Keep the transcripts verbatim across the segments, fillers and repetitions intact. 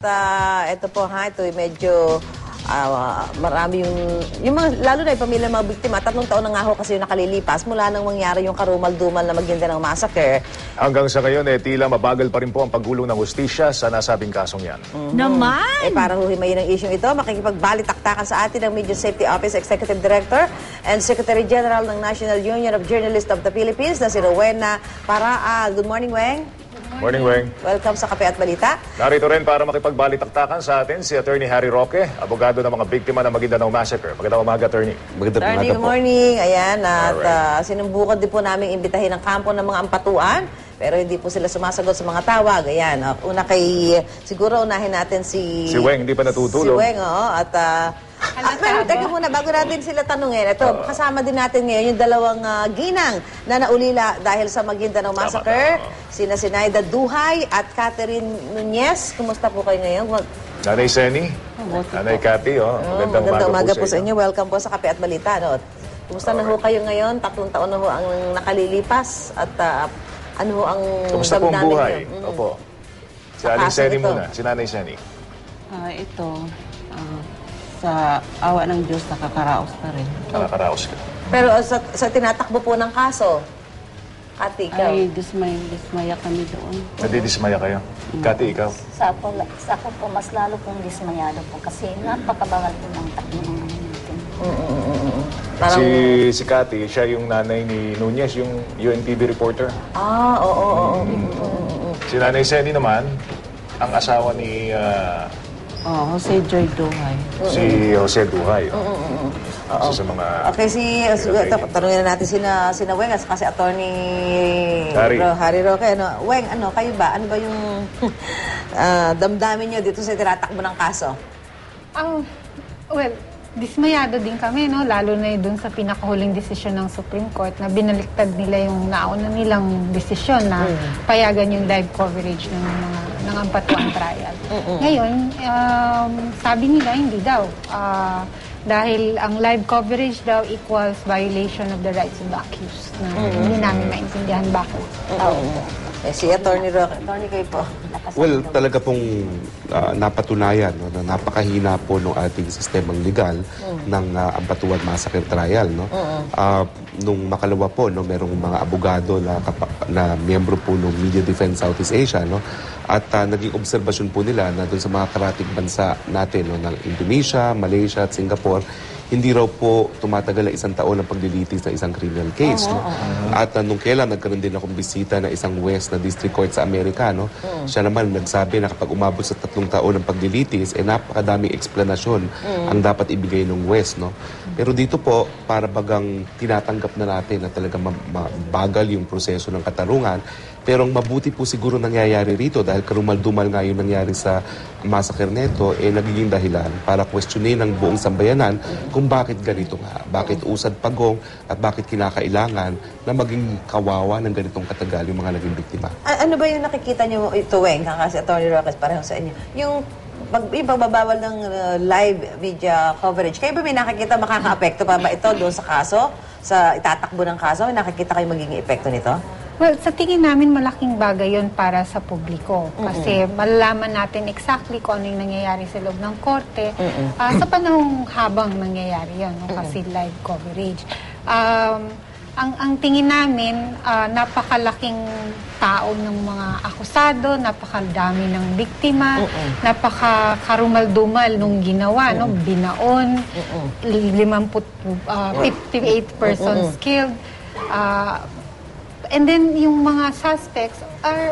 uh, ito po ha, ito medyo uh, marami yung, yung mga, lalo na yung pamilya ng mga biktima. Tatlong taon na nga ho kasi yung nakalilipas mula nang mangyari yung karumal-dumal na Maguindanao Massacre. Hanggang sa ngayon, eh, tila mabagal pa rin po ang paggulong ng hustisya sa nasabing kasong yan. Mm-hmm. Naman! Eh, para huhimayin ang isyong ito, makikipagbalitaktakan sa atin ang Media Safety Office Executive Director and Secretary General ng National Union of Journalists of the Philippines na si Rowena Paraa. Good morning, Weng. Morning, Weng. Welcome sa Kape at Balita. Narito rin para makipagbalitaktakan sa atin si Attorney Harry Roque, abogado ng mga biktima ng Maguindanao Massacre. Magandang umaga, Attorney. Magandang umaga po. Good morning. Ayan, at uh, sinubukan din po namin imbitahin ang kampo ng mga ampatuan. Pero hindi po sila sumasagot sa mga tawag. Ayan, uh, una kay, siguro unahin natin si... Si Weng, hindi pa natutulog. Si Weng, oo. At, uh, at pero teka muna, bago natin sila tanungin, ito, uh, kasama din natin ngayon yung dalawang uh, ginang na naulila dahil sa Maguindanao Massacre. Sina Sinaida Duhay at Catherine Nunez. Kumusta po kayo ngayon? Nanay Seni, Nanay Cathy, oh. Magandang, oh, magandang umaga, umaga po sa inyo. Welcome po sa Kape at Balita. No? Kumusta okay. na ho kayo ngayon? Tatlong taon na ho ang nakalilipas at... Uh, ano ang kumusta po ang buhay? Mm. Opo. Si Aling Seni muna. Si Nanay Seni. Uh, ito, uh, sa awa ng Diyos, nakakaraos pa rin. Nakakaraos ka. Pero uh, sa, sa tinatakbo po ng kaso, Kati, ikaw? Ay, dismay, dismaya kami doon. Nadidismaya kayo? Mm. Kati, ikaw? Sa ako, sa ako po, mas lalo pong dismayado po kasi napakabagal po ng takbo ng mga natin. Mm-mm-mm. Parang... Si, si Cathy, siya yung nanay ni Nunez, yung U N T V reporter. Ah, oo, oo, oo. Mm-hmm. Si Nanay Seni naman, ang asawa ni uh, oh, Jose Joy Duhay. Si Jose Duhay. Oh. Mm-hmm. Isa sa mga... Okay, si... Ito, tanungin na natin sina, sina Weng at kasi Attorney Harry. Harry Roque. Ano, Weng, ano, kayo ba? Ano ba yung uh, damdamin nyo dito sa tinatakbo ng kaso? Oh, well... Dismayado din kami, no? Lalo na doon sa pinakahuling desisyon ng Supreme Court na binaliktad nila yung nauna nilang desisyon na mm. payagan yung live coverage ng mga ng ampatuan trial. Mm-mm. Ngayon, um, sabi nila hindi daw. Uh, dahil ang live coverage daw equals violation of the rights of the accused. Na mm-hmm. hindi namin maintindihan bakit. Mm-hmm. Eh, si Attorney Roque, Attorney kayo po. Well, talaga pong uh, napatunayan no, na napakahina po ng ating sistemang legal mm. ng uh, Ampatuan Massacre Trial. No? Mm-hmm. Uh, nung makalawa po, no, merong mga abogado na, na miyembro po ng Media Defense Southeast Asia. No? At uh, naging obserbasyon po nila na doon sa mga karating bansa natin, no, ng Indonesia, Malaysia at Singapore, hindi raw po tumatagal na isang taon ang paglilitis ng isang criminal case. Oh, no? oh, oh. At uh, nung kailan, nagkaroon din akong bisita na isang West na district court sa Amerika. No? Mm. Siya naman nagsabi na kapag umabot sa tatlong taon ng paglilitis, eh napakadaming eksplanasyon mm. ang dapat ibigay ng West. No? Pero dito po, para bagang tinatanggap na natin na talaga mabagal yung proseso ng katarungan. Pero ang mabuti po siguro nangyayari rito dahil karumal-dumal nga yung nangyari sa massacre neto, eh nagiging dahilan para questionin ng buong sambayanan kung bakit ganito nga, bakit usad pagong at bakit kinakailangan na maging kawawa ng ganitong katagal yung mga naging biktima. A- ano ba yung nakikita nyo ito, Weng, kasi Attorney Roque, pareho sa inyo? Yung pag ipagbabawal ng uh, live media coverage, kayo ba may nakikita makaka-apekto pa ba ito doon sa kaso? Sa itatakbo ng kaso, may nakikita kayo magiging epekto nito? Well, sa tingin namin malaking bagay yon para sa publiko. Kasi mm-hmm. malalaman natin exactly kung ano yung nangyayari sa loob ng korte mm-hmm. uh, sa panahong habang nangyayari yun, no? Kasi mm-hmm. live coverage. Um, ang, ang tingin namin, uh, napakalaking tao ng mga akusado, napakadami ng biktima, mm-hmm. napaka-karumal-dumal nung ginawa, mm-hmm. no? Binaon, mm-hmm. fifty-eight persons mm-hmm. killed. Uh, And then, yung mga suspects are,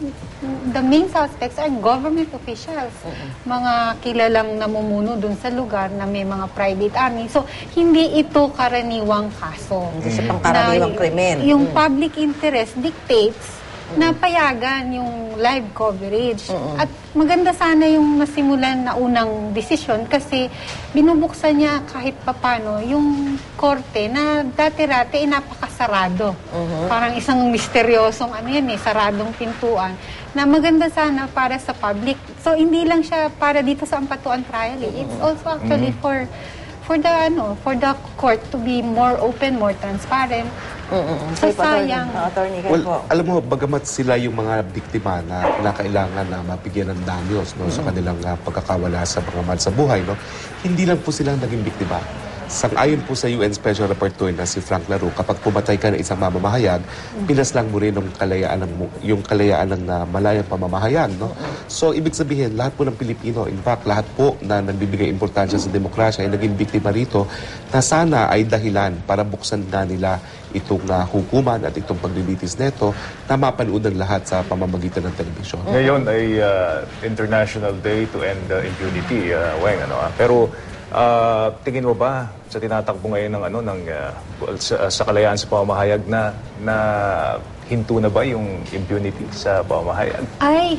the main suspects are government officials. Mm-hmm. Mga kilalang namumuno dun sa lugar na may mga private army. So, hindi ito karaniwang kaso. Hindi siya pangkaraniwang krimen. Yung mm-hmm. public interest dictates na payagan yung live coverage. Mm-hmm. At maganda sana yung nasimulan na unang desisyon kasi binubuksan niya kahit papano yung korte na dati-rati eh, napakasarado. Mm-hmm. Parang isang misteryosong ano yan eh, saradong pintuan na maganda sana para sa public. So, hindi lang siya para dito sa Ampatuan Trial. Eh. It's also actually mm-hmm. for for the ano, for the court to be more open, more transparent. Mm-mm. So, Sige po, attorney. sayang. Ah, attorney, kayo Well, po. alam mo, bagamat sila yung mga biktima na kinakailangan na mabigyan ng danyos no, sa kanilang uh, pagkakawala sa mga mahal sa buhay, no, hindi lang po silang naging biktima. Sang-ayon po sa U N Special Rapporteur na si Frank Laro, kapag pumatay ka ng isang mamamahayag, pinaslang mo rin yung kalayaan ng, yung kalayaan ng uh, malayang pamamahayag. No? So, ibig sabihin, lahat po ng Pilipino, in fact, lahat po na nagbibigay importansya sa demokrasya ay naging biktima rito na sana ay dahilan para buksan na nila itong uh, hukuman at itong paglilitis neto na mapanood ng lahat sa pamamagitan ng telebisyon. Ngayon ay uh, International Day to End uh, Impunity, uh, Weng, ano ah. Pero uh, tingin mo ba sa tinatakbo ngayon ng ano ng uh, sa, sa kalayaan sa pamamahayag na na hinto na ba yung impunity sa pamamahayag? Ay,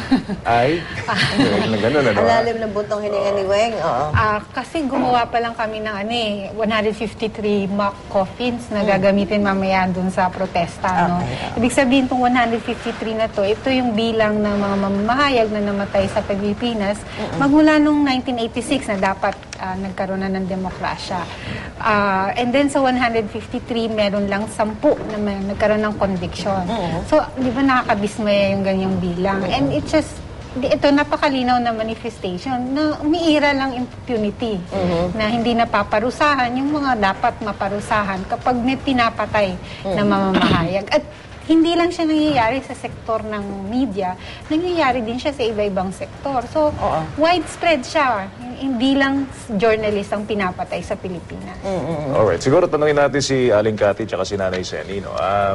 Ay, ganun ano. Ang ah. lalim ng buntong hininga ni Weng. Oo. ah, kasi gumawa pa lang kami ng ano eh, one hundred fifty-three mock coffins na gagamitin mamaya dun sa protesta. No? Ibig sabihin itong one hundred fifty-three na to, ito yung bilang ng mga mamamahayag na namatay sa Pilipinas magmula nung nineteen eighty-six na dapat ah, nagkaroon na ng demokrasya. Ah, and then sa one hundred fifty-three, meron lang sampu na may, nagkaroon ng conviction. So, di ba nakakabismaya yung ganyang bilang? And it just, di- ito napakalinaw na manifestation na umiira lang impunity, na hindi napaparusahan yung mga dapat maparusahan kapag may pinapatay na mamamahayag. At hindi lang siya nangyayari sa sektor ng media, nangyayari din siya sa iba-ibang sektor. So, widespread siya. Hindi lang journalist ang pinapatay sa Pilipinas. Alright, siguro tanungin natin si Aling Cathy at si Nanay Seni. No? Ah,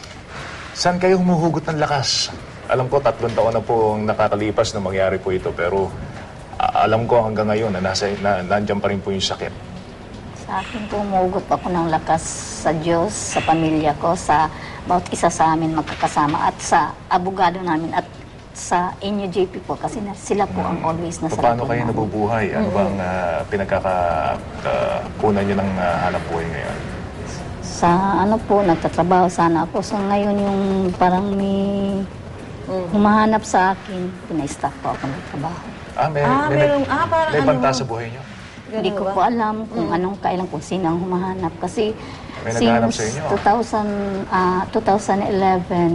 saan kayo humuhugot ng lakas? Alam ko, tatlong taon na po ang nakakalipas na mangyari po ito, pero ah, alam ko hanggang ngayon na, nasa, na nandyan pa rin po yung sakit. Sa akin po, umugot ako ng lakas sa Diyos, sa pamilya ko, sa bawat isa sa amin magkakasama at sa abogado namin at sa inyo J P po kasi na, sila po ang always nasa Paano likod kayo namin. nabubuhay? Ano bang uh, pinagkakakunan nyo ng uh, hanap buhay ngayon? Sa ano po, nagtatrabaho sana ako. So ngayon yung parang may humahanap sa akin, pina-stop po ako ng trabaho. Ah, may, Ah, may, merong- ah, parang may ano banta mo? sa buhay nyo? Hindi ko po alam kung anong kailan kung sino ang humahanap. Kasi May naghahanap sa inyo, ah. two thousand, ah, twenty eleven,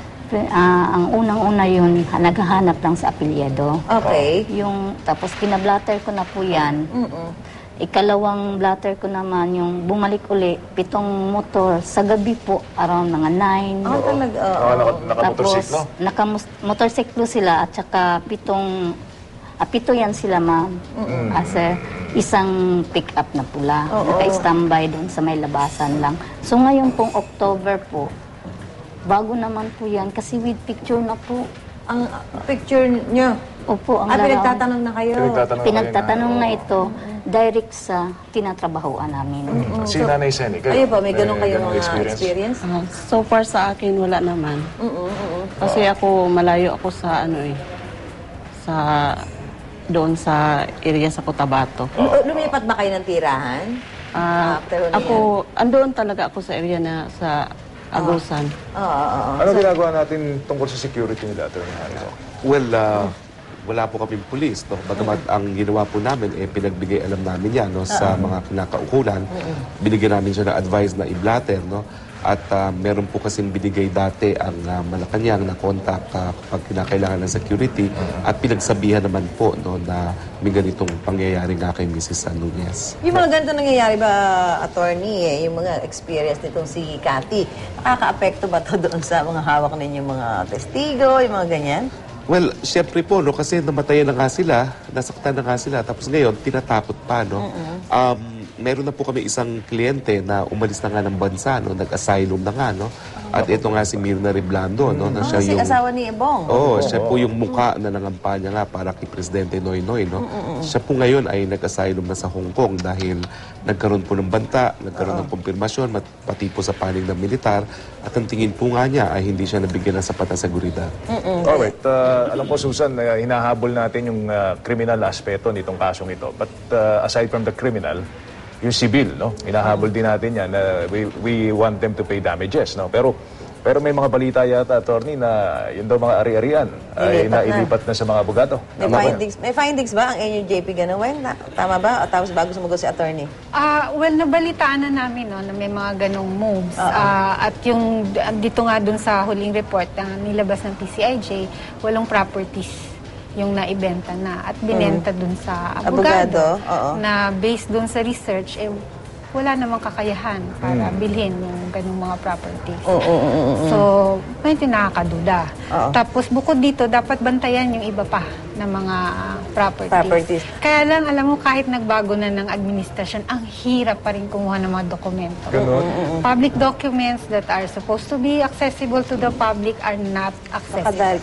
ah, ang unang-una yun, ha- naghahanap lang sa apelyido. Okay. Yung, tapos pinablatter ko na po yan. Ikalawang blatter ko naman, yung bumalik uli, pitong motor, sa gabi po, around mga nine. Ah, talaga. oo. Ah, naka, nakamotorsiklo? nakamotorsiklo sila at saka pitong, ah, pito yan sila ma'am. As a, isang pick-up na pula. Naka-standby doon sa may labasan lang. So ngayon pong October po, bago naman po yan kasi with picture na po. Ang picture nyo. Opo, ang Ah, larawan. pinagtatanong na kayo. Pinagtatanong kayo Pinagtatanong na, na oo. ito, direct sa tinatrabahoan namin. Si Nanay Seni, kayo? Ayun po, may ganun kayo ganung mga experience? experience? Ah, so far sa akin, wala naman. Kasi ako, malayo ako sa ano eh, sa doon sa area sa Cotabato. Lu- Lumipat ba kayo ng tirahan? Ah, After ano ako, andoon talaga ako sa area na sa Agusan. Oo, oo, oo. Ano ginagawa natin tungkol sa security nila, Atty. Harry? Well, uh, wala po kaming pulis. No? Bagamat ang ginawa po namin, eh, pinagbigay alam namin yan no? sa mga kinakaukulan. Binigyan namin siya ng advice na i-blatter. No? At uh, meron po kasing binigay dati ang uh, Malacanang na contact uh, kapag kinakailangan ng security. At pinagsabihan naman po no, na may ganitong pangyayari nga kay Missus Nunez. Yung mga ganito nangyayari ba, attorney, eh, yung mga experience nitong si Cathy, nakaka-apekto ba to doon sa mga hawak ninyong mga testigo, yung mga ganyan? Well, syempre po, no, kasi namatayan na nga sila, nasaktan na nga sila, tapos ngayon, tinatapot pa, no? Um, meron na po kami isang kliyente na umalis na nga ng bansa, no? Nag-asylum na nga, no? At ito nga si Mirna Reblando, no? Na Ah, siya si yung... asawa ni Ebong. Oo, siya po yung mukha na nangampanya nga para kay Presidente Noynoy, no? Siya po ngayon ay nag-asylum na sa Hong Kong dahil nagkaroon po ng banta, nagkaroon ng kumpirmasyon, mat- pati po sa panig ng militar, at ang tingin po nga niya ay hindi siya nabigyan ng sapat na seguridad. Alright, uh, alam ko Susan, uh, hinahabol natin yung uh, criminal aspeto nitong kasong ito. But uh, aside from the criminal, yung civil, no? Hinahabol din natin yan. Uh, we, we want them to pay damages, no? Pero Pero may mga balita yata, attorney, na yun daw mga ari-arian ay Ilipat na. nailipat na sa mga abogado. May Tama ba yun? findings, may findings ba ang N U J P Ganaweng? Na, tama ba? O tapos bago sumagot si attorney? Ah, well, nabalitaan na namin no, na may mga ganong moves. Ah, at yung dito nga dun sa huling report na nilabas ng P C I J, walong properties yung naibenta na at binenta dun sa abogado, Abogado, oo. na based dun sa research, eh, wala namang kakayahan para bilhin yung ganung mga properties. So, medyo nakakaduda. Oo. Tapos bukod dito, dapat bantayan yung iba pa na mga properties. Properties. Kaya lang, alam mo, kahit nagbago na ng administrasyon, ang hirap pa rin kumuha ng mga dokumento. Ganun. Public documents that are supposed to be accessible to the public are not accessible. Kadal.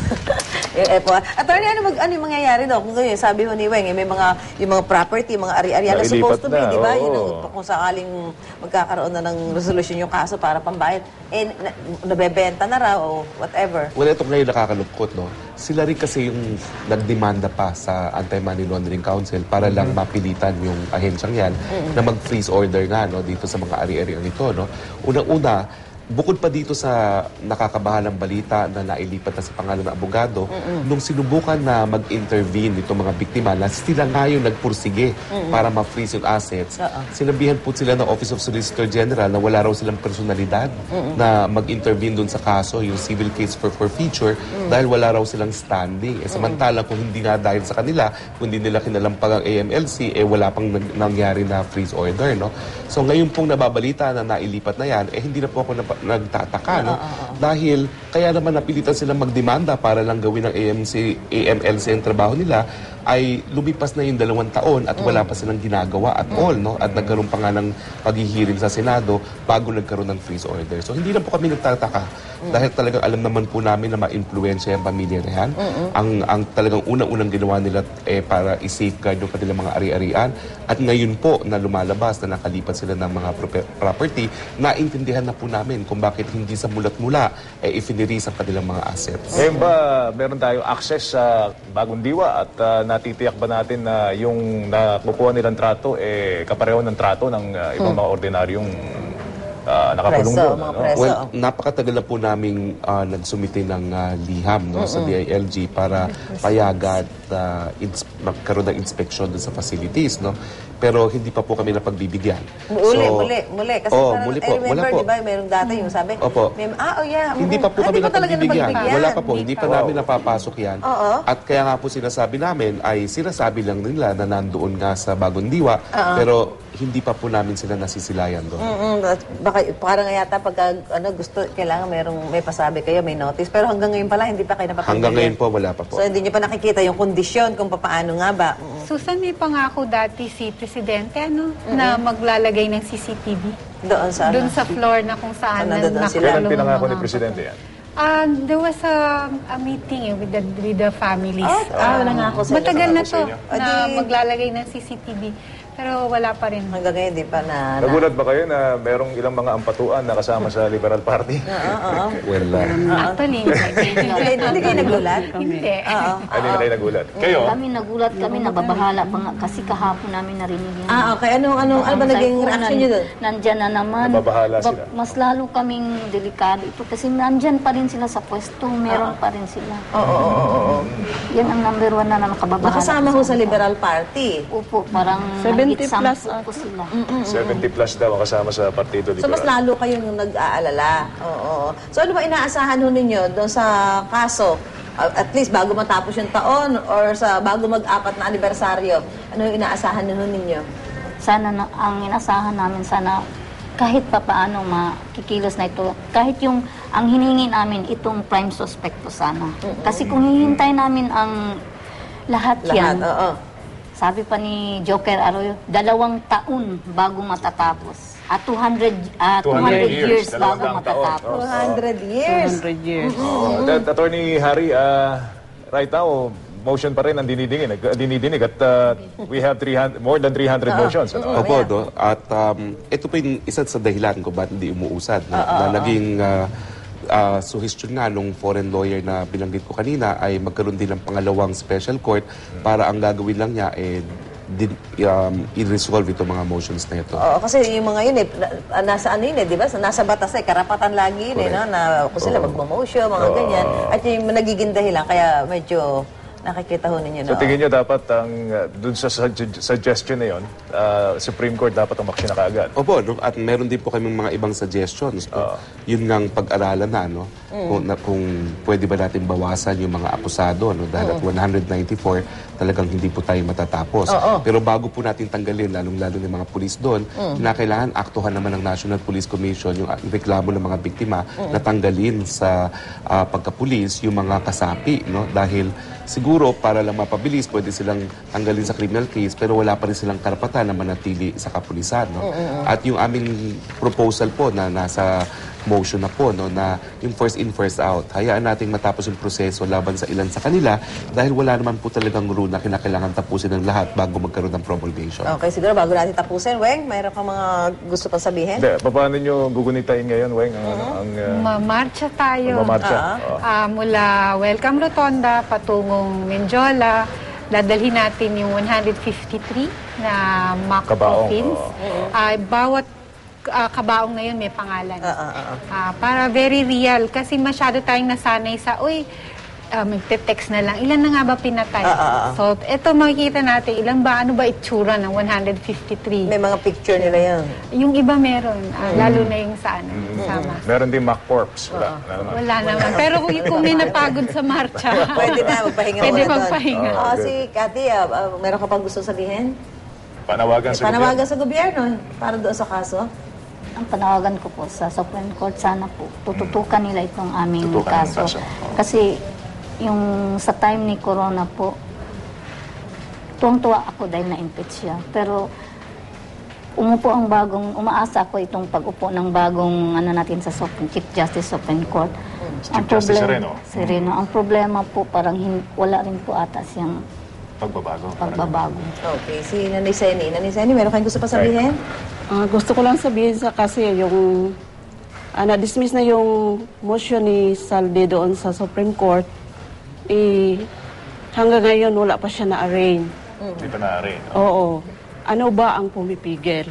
Yung E P O. Attorney, ano, mag, ano yung mangyayari daw? Kung ganyan, sabi ho ni Weng, eh, may mga, yung mga property, mga ari-arian na Nailipat supposed to be, na, di ba? oo. Yun, ang- kung sakaling magkakaroon na ng resolution yung kaso para pambayad, eh, na, nabebenta na raw o whatever. Well, ito ngayon nakakalungkot, no? Sila rin kasi yung nagdemanda pa sa Anti-Money Laundering Council para lang mapilitan yung ahensyang yan na mag-freeze order nga, no? Dito sa mga ari-ariang ito, no? Unang-una, bukod pa dito sa nakakabahalang balita na nailipat na sa pangalan ng abogado, nung sinubukan na mag-intervene itong mga biktima na sila nga yung nagpursige para ma-freeze yung assets, sinabihan po sila ng Office of Solicitor General na wala raw silang personalidad na mag-intervene dun sa kaso, yung civil case for forfeiture, dahil wala raw silang standing. Eh, samantalang kung hindi nga dahil sa kanila, kung hindi nila kinalampag ang A M L C, eh wala pang nag- nangyari na freeze order, no? So ngayon pong nababalita na nailipat na yan, eh hindi na po ako napa- nagtataka, no? Dahil kaya naman napilitan silang magdemanda para lang gawin ng A M C, A M L C ang trabaho nila, ay lumipas na yung dalawang taon at wala pa silang ginagawa at all, no? At nagkaroon pa nga ng paghihiring sa Senado bago nagkaroon ng freeze order. So hindi na po kami nagtataka dahil talagang alam naman po namin na ma-influensya yung pamilya na yan. Ang, ang talagang unang-unang ginawa nila eh, para i-safeguard yung kanilang mga ari-arian. At ngayon po na lumalabas na nakalipat sila ng mga prope- property, naintindihan na po namin kung bakit hindi sa mulat-mula eh, ifiniris ang kanilang mga assets. Ngayon ba, meron tayong access sa Bagong Diwa at ah, natitiyak ba natin na yung nakukuha nilang trato, eh, kapareho ng trato ng ah, ibang mga ordinaryong ah, nakakulong Preso, doon? mga ano? preso. Well, napakatagal na po naming uh, nagsumite ng ah, liham no, sa D I L G para payagan at uh, ins- magkaroon ng inspeksyon dun sa facilities. No? Pero hindi pa po kami napagbibigyan. Muli, So, muli, muli. Kasi oh, parang, muli I po. remember, Wala po. di ba, merong data yung sabi, Opo. may, ah, oh yeah. Hindi mm, pa po ah, kami di ba talaga napagbibigyan. napagbigyan? Wala pa po. Hindi pa Wow. namin napapasok yan. Oo. At kaya nga po sinasabi namin ay sinasabi lang nila na nandoon nga sa Bagong Diwa. Pero hindi pa po namin sila nasisilayan doon. Mm-mm, at baka parang yata pagka ano, gusto, kailangan merong, may pasabi kayo, may notice. Pero hanggang ngayon pala, hindi pa kayo napapagbigyan. Hanggang ngayon po, wala pa po. So, hindi nyo pa nakikita yung kondisyon kung paano nga ba. Mm. Susan, may pangako dati si Presidente ano, na maglalagay ng C C T V Doon sa doon ano. sa floor na kung saan Saan nandun sila? Kailan nakakulong pinangako yung ni mga- Presidente yan? Ah, there was a, a meeting eh, with the with the families. Ah, wala nga ako sa inyo. Matagal na to Sa inyo. na Adi- maglalagay ng C C T V. Pero wala pa rin. Hanggang ngayon, di pa na... na Nagulat ba kayo na merong ilang mga ampatuan na kasama sa Liberal Party? Oo, oo. Well, uh, Actually, Hindi, hindi kayo nagulat? hindi. Oo. Hindi na kayo nagulat. Kayo? Kami nagulat kami, nababahala pa nga kasi kahapon namin narinig yun. Ah, okay. Anong, anong, ano ba Sabi naging ko, reaction nan- nyo doon? Nandyan na naman. Nababahala Ba- sila. Mas lalo kaming delikado ito kasi nandyan pa rin sila sa pwesto. Meron pa rin sila. Oo, oo, oo, oo. Yan ang number one na nakababahala. Nakasama ho sa Liberal Party. Upo, parang seventy nag-exam plus po po sila. seventy plus daw ang kasama sa Partido So, mas Liberal. lalo kayong nag-aalala. Oo. So, ano ba inaasahan ho ninyo doon sa kaso? Uh, at least bago matapos yung taon or sa bago mag-apat na anibersaryo, ano yung inaasahan ho ninyo? Sana na, ang inasahan namin, sana kahit pa paano makikilos na ito, kahit yung ang hiningi namin itong prime suspect po sana. Kasi kung hihintay namin ang lahat, Lahat, yan, oo. sabi pa ni Joker Arroyo, dalawang taon bago matatapos. At two hundred, ah, two hundred years, years, bago dalawang taon. matatapos. two hundred years. two hundred years. Oh, that, Attorney Harry, uh, right now, motion pa rin ang dinidinig, nag- dinidinig at uh, we have three hundred, more than three hundred motions. Ano? Opo, no? At um, ito po yung isa sa dahilan kung ba't hindi umuusad. No? na naging uh, uh, suhestyon nga nung foreign lawyer na binanggit ko kanina ay magkaroon din ng pangalawang special court para ang gagawin lang niya eh din, um, i-resolve itong mga motions na ito. Oo, kasi yung mga yun eh, na- nasa ano yun eh, di ba? Nasa batas eh, karapatan lagi yun eh, no? Na kung sila magmamotion, mga ganyan. At yung nagiging dahilan, kaya medyo nakikita ho ninyo So na. tingin nyo dapat ang uh, dun sa sug- suggestion na yun, uh, Supreme Court dapat umaksyon na kaagad. Opo, no? At meron din po kaming mga ibang suggestions. No? Yun ngang pag-aralan na, no? Kung, na, kung pwede ba natin bawasan yung mga akusado, no? Dahil at one hundred ninety-four, talagang hindi po tayo matatapos. Pero bago po natin tanggalin, lalong-lalo ng mga pulis doon, kinakailangan aktuhan naman ng National Police Commission yung reklamo ng mga biktima na tanggalin sa uh, pagkapulis yung mga kasapi, no? Dahil siguro para lang mapabilis, pwede silang tanggalin sa criminal case pero wala pa rin silang karapatan na manatili sa kapulisan. No? At yung aming proposal po na nasa motion na po, no, na yung first in, first out. Hayaan nating matapos yung proseso laban sa ilan sa kanila dahil wala naman po talagang rule na kinakailangan tapusin ng lahat bago magkaroon ng promulgation. Okay, siguro bago natin tapusin, Weng, mayroon kang mga gusto pang sabihin? Hindi, paano nyo gugunitain ngayon, Weng? Ang, ano, ang uh, Mamarcha tayo. mamarcha? Oo. Ah, mula Welcome Rotonda patungong Menjola, dadalhin natin yung one hundred fifty-three na mock Kabaong, coffins. oo. Ah, bawat ah, kabaong na yun may pangalan. Ah, ah, ah. Ah, para very real. Kasi masyado tayong nasanay sa, uy, uh, magte-text na lang. Ilan na nga ba pinatay? Ah, ah, ah. So, ito makikita natin, ilan ba, ano ba itsura ng one hundred fifty-three? May mga picture nila yan. Yung iba meron, ah, lalo na yung sa ano, sama. Meron din mock corpse. Wala. Wala naman. Wala naman. Pero kung, kung may napagod sa marcha, Pwede na, magpahinga Pwede muna doon. magpahinga. Ah, si Cathy, ah, ah, meron ka pang gusto sabihin? Panawagan sa Panawagan sa gobyerno para doon sa kaso? Ang panawagan ko po sa Supreme Court, sana po tututukan nila itong aming Tutukan ang kaso. kaso. Oo. Kasi yung sa time ni Corona po, tuwang-tuwa ako dahil na-impeach siya. Pero umupo ang bagong, umaasa ako itong pag-upo ng bagong ano natin sa Supreme, Chief Justice Supreme Court. Chief Justice Sereno. Sereno. Ang problema po, parang hin, wala rin po ata siyang Pagbabago. pagbabago. Okay, si Nanay Seni. Nanay Seni, meron kayong gusto pa sabihin? Ah, gusto ko lang sabihin sa kasi yung ah, na-dismiss na yung motion ni Saldi doon sa Supreme Court, eh, hanggang ngayon wala pa siya na-arraign. Hindi pa na-arraign. Oo. Ano ba ang pumipigil?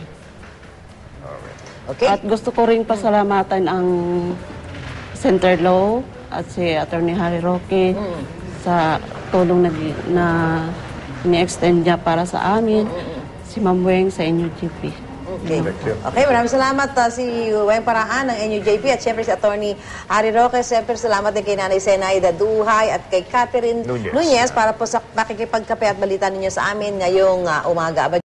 Okay. At gusto ko rin pasalamatan ang Center Law at si Attorney Harry Roque sa tulong na, na ini-extend niya para sa amin, si Ma'am Weng sa N U G P. Okay. Thank you. Okay, maraming salamat uh, si Weng Paraan ng N U J P at siyempre si Attorney Harry Roque. Siyempre salamat din kay Nanay Zenaida Duhay at kay Catherine Nunez. Nunez para po sa pakikipagkape at balita ninyo sa amin ngayong uh, umaga.